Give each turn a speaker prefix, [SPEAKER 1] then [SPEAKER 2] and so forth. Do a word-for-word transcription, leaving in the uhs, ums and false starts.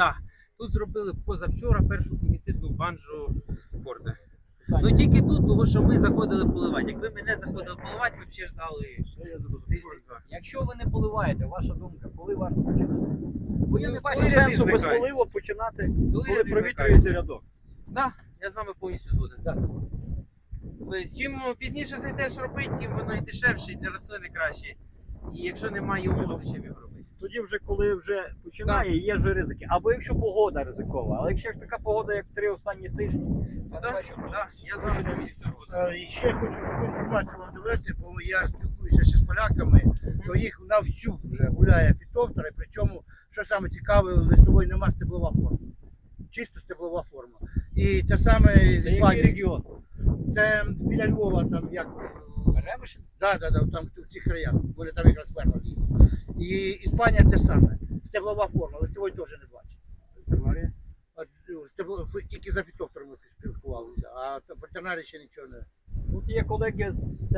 [SPEAKER 1] Да. Тут зробили позавчора першу фунгіцидну банжу спорта. Ну тільки тут, тому що ми заходили поливати. Якби ми не заходили поливати, ми б ще ждали тиждень-два.
[SPEAKER 2] Якщо ви не поливаєте, ваша думка, коли варто починати? Бо я не бачу
[SPEAKER 1] Коли
[SPEAKER 2] сенсу
[SPEAKER 1] ряди
[SPEAKER 2] без
[SPEAKER 1] зникають.
[SPEAKER 2] поливу починати,
[SPEAKER 1] Коли
[SPEAKER 2] коли
[SPEAKER 1] ряди
[SPEAKER 2] провітрюється рядок.
[SPEAKER 1] Так, я з вами повністю згоден.
[SPEAKER 2] Так.
[SPEAKER 1] Тобто, чим пізніше зайдеш робити, тим воно і дешевше, і для рослини краще. І якщо немає умов, зачем його робити?
[SPEAKER 2] Тоді вже коли вже починає, є вже ризики. Або якщо погода ризикова. Але якщо ж така погода, як три останні тижні, я не
[SPEAKER 1] Так,
[SPEAKER 2] бачу.
[SPEAKER 1] так, я з вами повністю згоден.
[SPEAKER 3] Е, І ще хочу таку інформацію вам довести, бо я спілкуюся ще з поляками, то їх на всю вже гуляє фітофтори, причому, що саме цікаве, листової нема, стеблова форма. Чисто стеблова форма. І те саме з
[SPEAKER 2] Це який
[SPEAKER 3] Іспанії.
[SPEAKER 2] регіон?
[SPEAKER 3] Це біля Львова, там як.
[SPEAKER 2] Ремешин?
[SPEAKER 3] Так, так, так, там в цих краях, вони там якраз ферма є. І Іспанія те саме. Стеблова форма, листової теж не бачить.
[SPEAKER 2] Тернарія?
[SPEAKER 3] От, стебло, тільки за фітофторами спілкувалися, а про тернарі ще нічого не.
[SPEAKER 2] Тут є колеги з